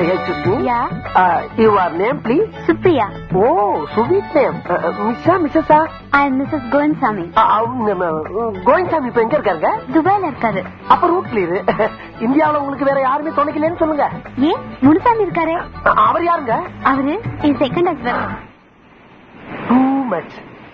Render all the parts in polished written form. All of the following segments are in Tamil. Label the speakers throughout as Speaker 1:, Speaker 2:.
Speaker 1: Yeah.
Speaker 2: Your name, please?
Speaker 1: Supriya.
Speaker 2: Oh, sweet name. Mrs.
Speaker 1: I am Mrs. Goinsamy.
Speaker 2: Koyinsami இப்ப எங்க இருக்காருங்க?
Speaker 1: துபாயில இருக்காரு.
Speaker 2: அப்ப ரூட் கிளியர். இந்தியாவுல உங்களுக்கு வேற யாருமே துணைக்கலன்னு சொல்லுங்க.
Speaker 1: ஏன் முனுசாமி இருக்காரு?
Speaker 2: அவர் யாருங்க?
Speaker 1: அவரு என் செகண்ட் ஹஸ்பண்ட்.
Speaker 2: Too much.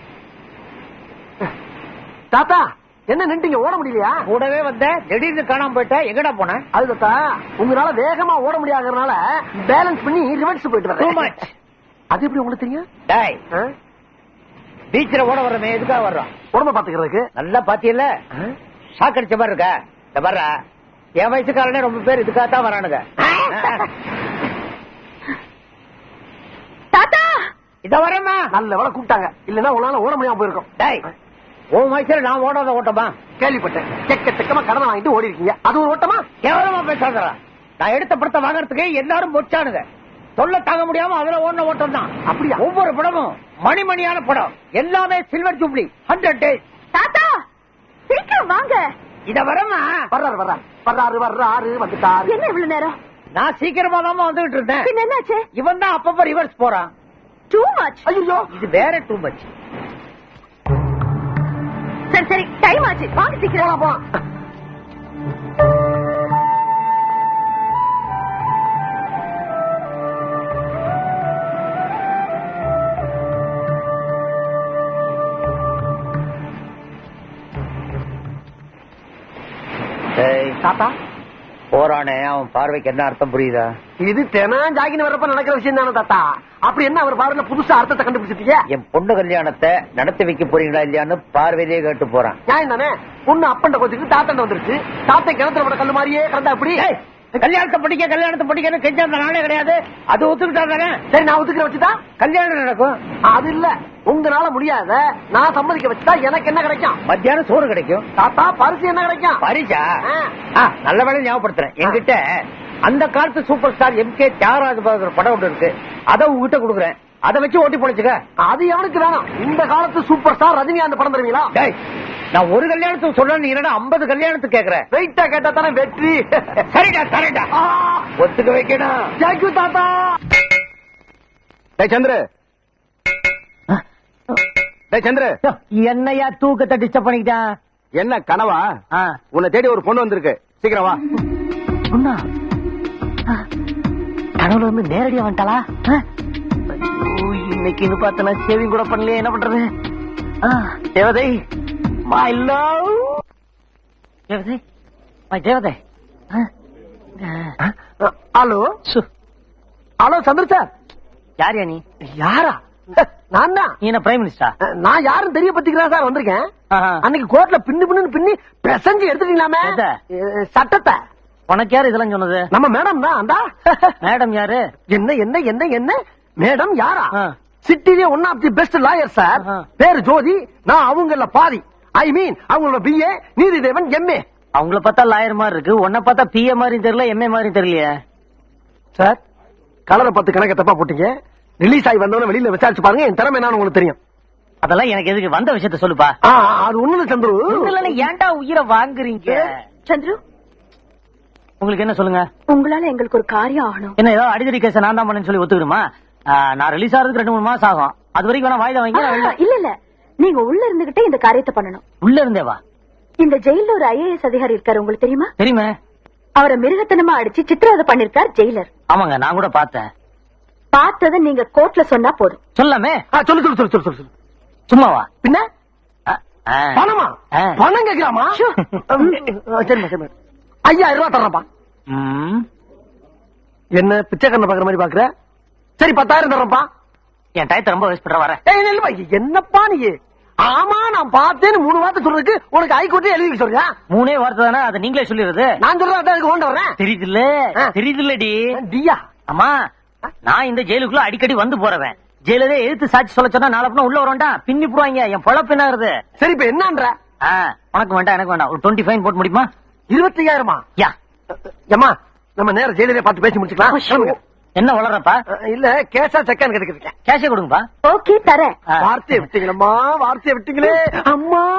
Speaker 2: தாத்தா என்ன நின்றுங்க, ஓட முடியலையா?
Speaker 3: கூடவே வந்த திடீர்னு காணாம போயிட்ட, எங்கடா போன?
Speaker 2: அது தாத்தா உங்களால வேகமா ஓட முடியாதனால பேலன்ஸ் பண்ணி ரிவர்ஸ் போயிட்டு வரேன். அது எப்படி உங்களுக்கு தெரியும்?
Speaker 3: டேய், பீச்சில் ஓட வர்றமே எதுக்காக வர்றோம்?
Speaker 2: உடம்ப பாத்துக்கிறதுக்கு.
Speaker 3: நல்லா பாத்தியல்ல, ஷாக் அடிச்ச மாதிரி இருக்க. இந்த வர்ற என் வயசுக்காரனே ரொம்ப பேர் இதுக்காகத்தான் வரானுங்க.
Speaker 1: தாத்தா
Speaker 3: இத வரமா
Speaker 2: நல்ல வேலை கூப்பிட்டாங்க, இல்லன்னா உங்களால ஓட முடியாம போயிருக்கோம்.
Speaker 3: டேய், உன் வயசுல நான் ஓடாத ஓட்டமா?
Speaker 2: கேள்விப்பட்டேன். செக்கமா கடனை வாங்கிட்டு ஓடி இருக்கீங்க, அது ஒரு ஓட்டமா?
Speaker 3: கேவலமா பேசாதடா. நான் எடுத்த படத்தை வாங்கறதுக்கு எல்லாரும் மொச்சானுங்க. சொல்ல தாங்க முடியாம அதுல ஓடின ஓட்டம் தான்.
Speaker 2: அப்படியா?
Speaker 3: ஒவ்வொரு படமும் மணிமணியான படம், எல்லாமே சில்வர் ஜூப்ளி 100 days.
Speaker 1: தாத்தா சீக்கிரம் வாங்க.
Speaker 3: இத வரமா
Speaker 2: வர்றாரு வந்துட்டாரு.
Speaker 1: என்ன இவ்வளவு நேரம்?
Speaker 3: நான் சீக்கிரமா தான் வந்துகிட்டு இருந்தேன்.
Speaker 1: பின்ன என்னாச்சு?
Speaker 3: இவன் தான் அப்பப்ப ரிவர்ஸ் போறான்.
Speaker 1: Too much.
Speaker 2: ஐயோ,
Speaker 3: இது வேற டூ மச்.
Speaker 1: சரி சரி டைம் ஆச்சு, வாங்க சீக்கிரம்.
Speaker 2: போலாம். தாத்தா
Speaker 3: போறானே, அவன் பார்வைக்கு என்ன அர்த்தம் புரியுதா?
Speaker 2: இது தினம் ஜாகின்னு வரப்ப நடக்கிற விஷயம் தானே தாத்தா. அப்படி என்ன அவர் பார்வையில புதுசா அர்த்தத்தை கண்டுபிடிச்சிட்டீங்க?
Speaker 3: என் பொண்ணு கல்யாணத்தை நடத்தி வைக்க போறீங்களா இல்லையான்னு பார்வையிலேயே கேட்டு போறான்.
Speaker 2: நியாயம் தானே. பொண்ணு அப்பண்ட கோச்சுக்கு தாத்தண்ட வந்துருச்சு. தாத்தை கிணத்துல விட கல்லு மாதிரியே கிடந்தா அப்படி.
Speaker 3: கல்யாணத்தை படிக்கன்னு கெஞ்ச அந்த நாளே கிடையாது. அது ஒத்துக்கிட்டா தானே.
Speaker 2: சரி, நான் ஒத்துக்கிற வச்சுட்டா
Speaker 3: கல்யாணம் நடக்கும்.
Speaker 2: அது இல்ல, உங்களால முடியாத நான் சம்மதிக்க வச்சுட்டா எனக்கு என்ன கிடைக்கும்?
Speaker 3: மத்தியானம் சோறு கிடைக்கும்.
Speaker 2: தாத்தா பரிசு என்ன கிடைக்கும்?
Speaker 3: பரிசா? நல்ல வேலை ஞாபகப்படுத்துறேன். என்கிட்ட அந்த காலத்து சூப்பர் ஸ்டார் MK தியாகராஜ படம் ஒன்று இருக்கு. அதை உங்ககிட்ட கொடுக்குறேன். அதை வச்சு ஓட்டி போடுச்சுக்க.
Speaker 2: அது எவனுக்கு வேணும்? இந்த காலத்து சூப்பர் ஸ்டார் ரஜினிகாந்த் படம் தருவீங்களா?
Speaker 3: நான் ஒரு கல்யாணத்துக்கு சொல்றேன், 50 கல்யாணத்துக்கு கேக்குறேன்.
Speaker 2: வெயிட்டா கேட்டா தானே வெற்றி.
Speaker 3: சரிடா ஒத்துக்க வைக்கணும்.
Speaker 2: தேங்க்யூ தாத்தா.
Speaker 4: சந்திர சந்திர,
Speaker 3: என்னையா தூக்கத்தை டிஸ்டர்ப் பண்ணிக்கிட்டான்?
Speaker 4: என்ன கனவா? உன்னை தேடி ஒரு பொண்ணு வந்திருக்கு, சீக்கிரம் வா.
Speaker 3: பொண்ணா? கனவுல வந்து நேரடியா வந்துட்டாளா? இன்னைக்கு பார்த்தனா சேவிங் கூட பண்ணலையே, என்ன பண்றது? தேவதை, மை லவ். தேவதை, மை தேவதை.
Speaker 2: Hello hello Chandra sir.
Speaker 3: யாரியா நீ?
Speaker 2: யாரா? நான் தான்.
Speaker 3: நீ என்ன பிரைம் மினிஸ்டர்?
Speaker 2: நான் யாரும் தெரிய பத்திக்கிறா சார் வந்திருக்கேன். அன்னைக்கு கோர்ட்ல பின்னு பிரசஞ்சு எடுத்துட்டீங்களாமே சட்டத்தை.
Speaker 3: உனக்கு யாரு இதெல்லாம் சொன்னது?
Speaker 2: நம்ம மேடம் தான். அந்த
Speaker 3: மேடம் யாரு?
Speaker 2: என்ன என்ன என்ன என்ன மேடம் யாரா? சிட்டிலே one of the best lawyer sir. பேரு ஜோதி. நான் அவங்கள பாதி. ஐ மீன் அவங்களோட BA, நீதிதேவன் MA.
Speaker 3: அவங்கள பார்த்தா லாயர் மாதிரி இருக்கு, உன்னை பார்த்தா PA மாதிரி தெரியல, MA மாதிரி தெரியலையே
Speaker 2: சார். கலரை 10 கணக்க தப்பா போட்டீங்க. ரிலீஸ் ஆகி வந்தவன வெளியில விசாரிச்சு பாருங்க, என் திறமை என்னன்னு உங்களுக்கு தெரியும்.
Speaker 3: அதெல்லாம் எனக்கு எதுக்கு? வந்த விஷயத்த சொல்லுப்பா.
Speaker 2: அது ஒண்ணு சந்துரு.
Speaker 3: ஏன்டா உயிரை வாங்குறீங்க?
Speaker 1: சந்துரு,
Speaker 3: உங்களுக்கு என்ன சொல்லுங்க?
Speaker 1: உங்களால எங்களுக்கு ஒரு காரியம் ஆகணும்.
Speaker 3: என்ன ஏதாவது அடிதடி கேஸ நான் தான் பண்ணேன்னு சொல்லி ஒத்துக்கிறோமா? நான் ரிலீஸ் ஆகிறதுக்கு 2-3 மாசம் ஆகும். அது வரைக்கும் வேணா வாய்தா வாங்கி.
Speaker 1: இல்ல நீங்க உள்ள இருந்துகிட்டே இந்த காரியத்தை பண்ணணும்.
Speaker 3: உள்ள இருந்தேவா?
Speaker 1: இந்த ஜெயில ஒரு IAS அதிகாரி இருக்காரு, உங்களுக்கு தெரியுமா?
Speaker 3: தெரியுமே.
Speaker 1: அவரை மிருகத்தனமா அடிச்சு சித்திரவதை பண்ணிருக்கார் ஜெயிலர்.
Speaker 3: ஆமாங்க, நான் கூட பார்த்தேன்.
Speaker 1: பார்த்தத நீங்க கோர்ட்ல சொன்னா போதும்.
Speaker 3: சொல்லாமே.
Speaker 2: சொல்லு.
Speaker 3: சும்மாவா?
Speaker 2: பின்ன பணமா? பணம் கேட்கலாமா? சரி 5000 ரூபாய் தர்றப்பா. என்ன பிச்சைக்காரன் பாக்குற மாதிரி பாக்குற? சரி 10,000 தர்றப்பா.
Speaker 3: என் டயத்தை ரொம்ப வேஸ்ட் பண்ற வரேன்.
Speaker 2: என்னப்பா நீ? ஆமா நான் பார்த்தேன்னு 3 வார்த்தை சொல்றதுக்கு உனக்கு ஹைகோர்ட்டே எழுதி சொல்றியா?
Speaker 3: 3 வார்த்தை தானே, அதை நீங்களே சொல்லிடுறது.
Speaker 2: நான் சொல்றேன் கொண்டு வரேன்.
Speaker 3: தெரியுதுல்லடி.
Speaker 2: டியா?
Speaker 3: ஆமா, நான் இந்த ஜெயிலுக்குள்ள அடிக்கடி வந்து போறவன். ஜெயிலே எழுத்து சாட்சி சொல்ல சொன்னா நாளை உள்ள வரண்டா பின்னி போடுவாங்க. என் பொழப்பு என்ன ஆகுது?
Speaker 2: சரி இப்ப என்னன்ற?
Speaker 3: உனக்கு வேண்டாம், எனக்கு வேண்டாம். ஒரு 20 ஃபைன் போட்டு முடியுமா?
Speaker 2: 25,000?
Speaker 3: யா
Speaker 2: ஏமா நம்ம நேரம் ஜெயிலே பார்த்து பேசி முடிச்சுக்கலாம்.
Speaker 3: என்ன வளர்றப்பா?
Speaker 2: இல்ல கேஷா செக்கான்னு கேட்டுக்கிறேன்.
Speaker 3: கேஷே கொடுங்கப்பா.
Speaker 1: ஓகே தரேன்.
Speaker 2: வார்த்தையை விட்டீங்களம்மா, வார்த்தையை விட்டீங்களே அம்மா.